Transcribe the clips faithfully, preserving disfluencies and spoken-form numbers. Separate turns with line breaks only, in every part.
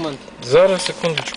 документи?
Зараз, секундочку.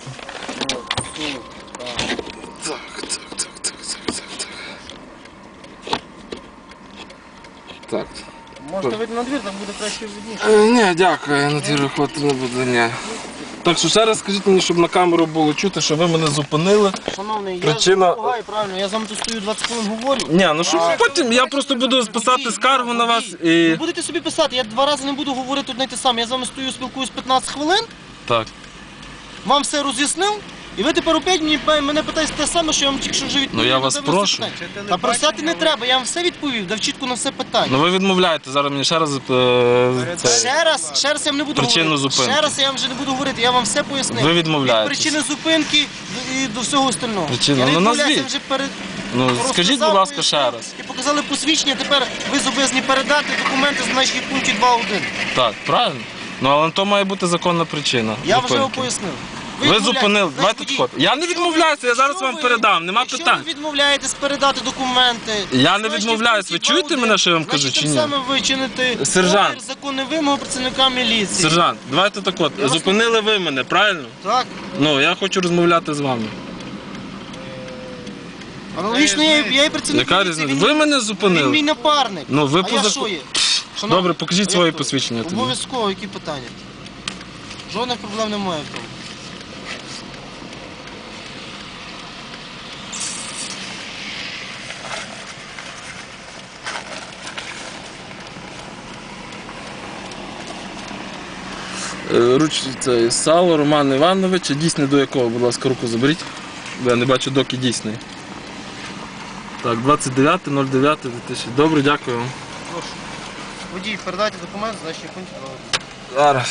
Так, так, так, так, так, так, так. Так.
Можете вийти на двір, там буде краще видніше.
Е, ні, дякую, я на двір виходити не буду, ні.
Так що ще раз скажіть мені, щоб на камеру було чути, що ви мене зупинили.
Шановний,
Причина-
я допомагаю, правильно, я з вами тут стою двадцять хвилин говорю.
Ні, ну щоб
А-
потім я просто буду писати скаргу на вас
Ви
і...
будете собі писати, я два рази не буду говорити одне й те саме. Я з вами стою, спілкуюсь п'ятнадцять хвилин,
Так.
вам все роз'яснив, і ви тепер опять мені, мене питаєте те саме, що я вам тільки що вже відповів.
Ну, я вас
на дев'яносто
прошу.
питань. Та просяти не треба, я вам все відповів, дав чітко на все питання.
Ну ви відмовляєте, зараз мені ще раз е, це...
Ще раз, ще раз я вам не буду
Причину
говорити.
зупинки.
Ще раз я вам вже не буду говорити, я вам все пояснив.
Ви відмовляєтесь.
Від причини зупинки і до всього остального.
Причина?
Я не
Ну,
відмовляюся,
назвіть.
я вже перед...
Ну
розказав,
скажіть, будь ласка,
пояснив.
ще раз.
І показали посвідчення, тепер ви зобов'язані передати документи з нашої пункті два один.
Так, правильно? Ну але на то має бути законна причина.
Я вже вам
зупинки.
пояснив.
Ви
відмовляєтесь.
зупинили,
Значить,
давайте
водій,
так от. Я не
якщо
відмовляюся,
ви-
я зараз
якщо
вам
ви-
передам, нема
якщо
питань.
ви відмовляєтесь передати документи...
Я не
значить,
відмовляюсь, ви
пункті
чуєте
два один,
мене, що я вам кажу,
значить,
чи
тим
ні?
самим ви чините
Сержант.
опір законних вимог працівника міліції.
Сержант, давайте так от.
Я вас
Зупинили ви мене, правильно?
Так.
Ну, я хочу розмовляти з вами.
Аналогічно я, я і працівник
Яка
міліції,
різниця?
він-
Ви мене
Він
зупинили.
мій напарник.
Ну, ви
а
по
я
заку-
що є? Шановний,
Добре, покажіть
а
своє
як то?
посвідчення тоді.
Обов'язково, які питання? Жодних проблем немає в тому.
Е, Руч, це Сало Роман Іванович, дійсний до якого, будь ласка, руку заберіть. Бо я не бачу, доки дійсний. Так, двадцять дев'яте ноль дев'яте дві тисячі. Добре, дякую вам.
Прошу. Водій, передайте документ, значить пункт два один.
Зараз.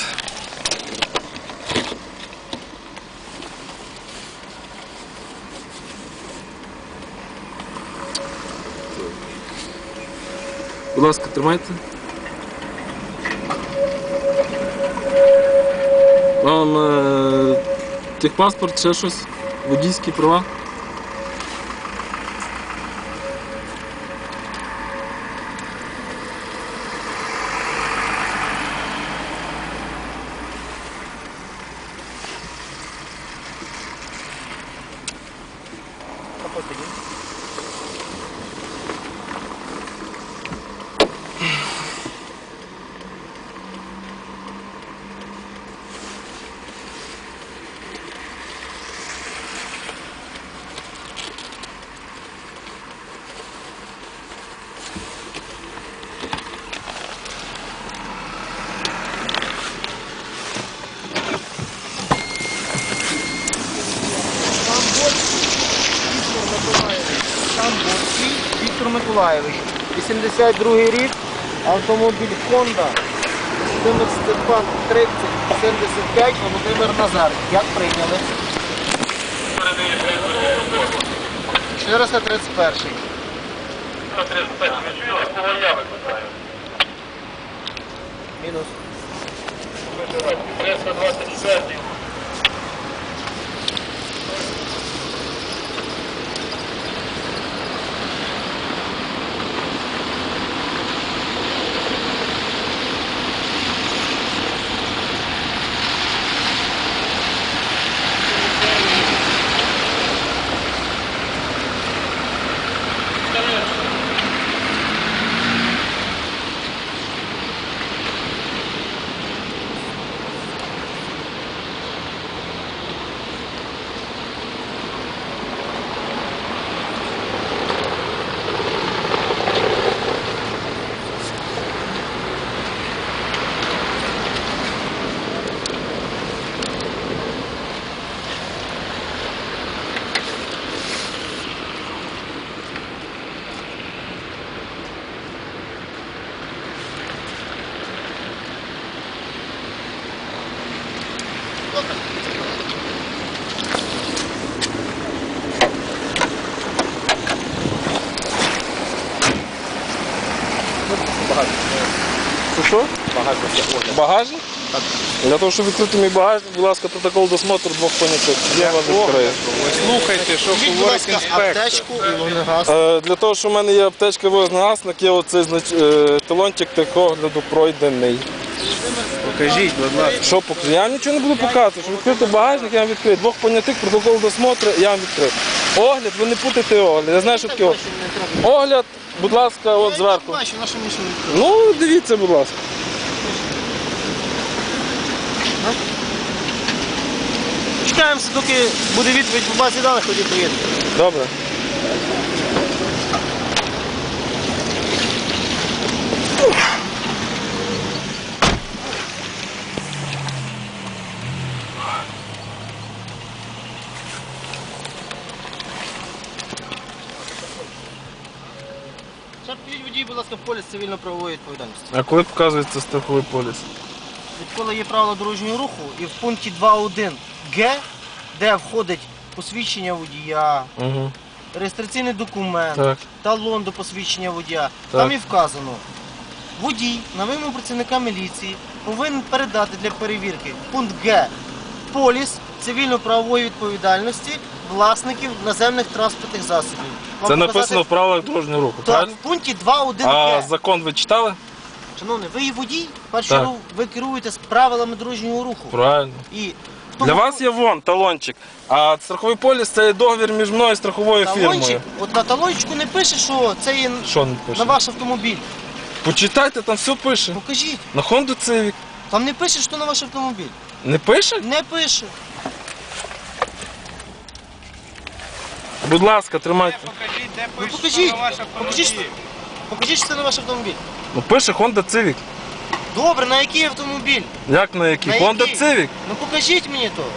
Будь ласка, тримайте. Вам е, техпаспорт, ще щось, водійські права.
Тамбовський Віктор Миколаєвич. вісімдесят другий рік, автомобіль Honda, чотирнадцять два тридцять сімдесят п'ять, Володимир Назар. Як прийняли? чотириста тридцять перший. Мінус.
Що що? Багажник? Так. Для того, щоб відкрити мій багажник, будь ласка, протокол досмотру двох понятих. Я вас відкрию.
Слухайте, що
Будь
говорить
ласка,
інспектор.
аптечку і вогнегас.
Е, Для того, що в мене є аптечка вогнегасник, є оцей знач... е, талончик техогляду пройдений.
Покажіть, будь ласка.
Що показати? Я вам нічого не буду показувати. Що відкрити багажник, я вам відкрию. Двох понятих, протокол досмотру, я вам відкрию. Огляд, ви не путайте огляд. Я знаю, що таке огляд. Огляд, будь ласка, от зверху.
Бачу, на що мені що відкрити.
Ну, дивіться, будь ласка.
Чекаємося, доки буде відповідь по базі даних, тоді приїдемо.
Добре.
Ще підіть водій, будь ласка, в поліс цивільно-правової відповідальності.
А коли показується страховий поліс?
Відколи є правила дорожнього руху і в пункті два один Г, де входить посвідчення водія,
Угу.
реєстраційний документ,
Так.
талон до посвідчення водія,
Так.
там і вказано, водій на вимогу працівника міліції повинен передати для перевірки пункт Г поліс цивільно-правової відповідальності власників наземних транспортних засобів. Вам
Це
показати-
написано в правилах дорожнього руху,
Так,
правильно?
в пункті два один
А
Г.
закон ви читали?
Шановний, ви є водій, в першу
Так.
чергу ви керуєтесь правилами дорожнього руху.
Правильно.
І в
Для
тому
вас є вон талончик, а страховий поліс це є договір між мною і страховою
талончик,
фірмою.
от на талончику не пише, що це є
Що не
на
пише?
ваш автомобіль.
Почитайте, там все пише.
Покажіть.
На Honda Civic.
Там не пише, що на ваш автомобіль.
Не пише?
Не пише.
Будь ласка, тримайте.
Покажіть, де
Ну
пише,
покажіть.
що на ваш
Покажіть, що-
автомобіль.
покажіть, що це на ваш автомобіль.
Ну пише Honda Civic.
Добре, на який автомобіль?
Як на який?
На
Honda
який?
Civic.
Ну покажіть мені то.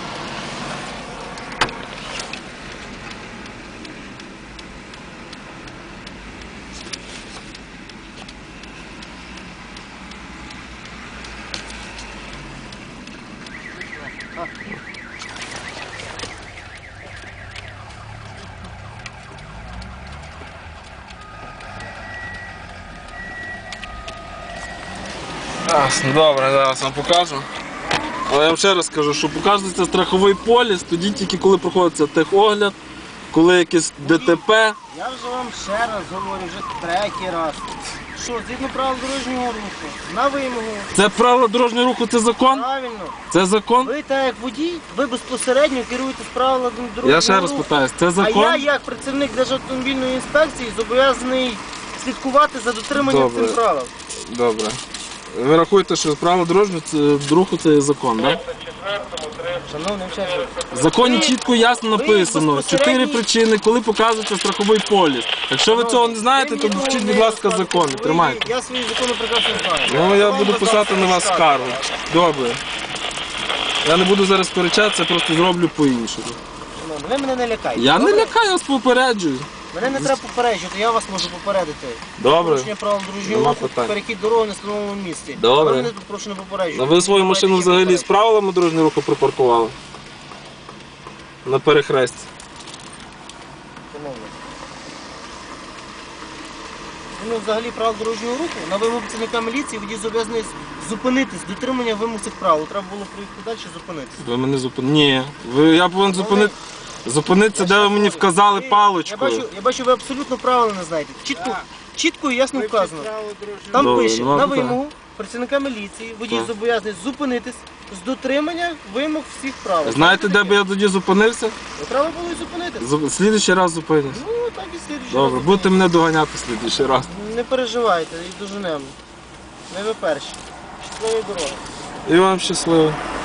Ясно, добре, зараз вам покажу. Але я вам ще раз скажу, що показується страховий поліс, тоді тільки коли проходиться техогляд, коли якесь ДТП.
Я вже вам ще раз говорю, вже третій раз. Що, згідно правил дорожнього руху, на вимогу,
Це правило дорожнього руху, це закон?
правильно.
Це закон?
Ви так як водій, ви безпосередньо керуєтесь правилами дорожнього
Я ще раз
руху.
питаюсь, це
А
закон?
я, як працівник Державтомобільної інспекції, зобов'язаний слідкувати за дотриманням
Добре.
цих правил.
Добре. Ви рахуєте, що правило дорожнього це- руху це є закон, так?
Шановний вчитель,
В законі
Ви-
чітко ясно
ви
написано
безпосередньо-
чотири причини, коли показується страховий поліс. Якщо ви цього не знаєте, то вчіть, будь ласка, закони.
Ви-
Тримайте.
Я свої закони прекрасно знаю.
Ну я
вам
буду
роздав
писати на вас
штат.
скаргу. Добре. Я не буду зараз сперечатися, просто зроблю по-іншому.
Шановний, ви мене не лякайте.
Я не
добре?
лякаю, вас попереджую.
Мене не треба попереджувати, я вас можу попередити.
Добре.
Порушення правил дорожнього
Нема
руху,
питань.
перехід дороги на встановленому місці.
Добре.
Ви мене тут прошу не
А
попереджувати.
ви свою машину взагалі з правилами дорожнього руху припаркували? На перехресті.
Шановний. Ну, взагалі правил дорожнього руху, на вимогу працівника міліції водій зобов'язаний зупинитись, дотримання вимог цих правил. Треба було приїхати далі і зупинитись.
Ви мене зупинили. Ні. Ви, я повинен зупинити. Зупинитися, де ви мені вказали
Ви- Я
паличкою.
бачу, я бачу, ви абсолютно правила не знаєте. Чітко, чітко і ясно вказано. Там
Добре,
пише,
нема
на
питань.
вимогу працівника міліції водій
Так.
зобов'язаний зупинитись з дотримання вимог всіх правил.
Знаєте, де би я тоді зупинився?
Ну, треба було і зупинитись.
Зу- Слідуючий раз зупинюсь.
Ну, так і слідуючий
Добре,
раз
будете мене доганяти слідуючий раз.
зупинитись. Не переживайте, і доженемо. Не ви перші. Щасливої дороги.
І вам щасливо.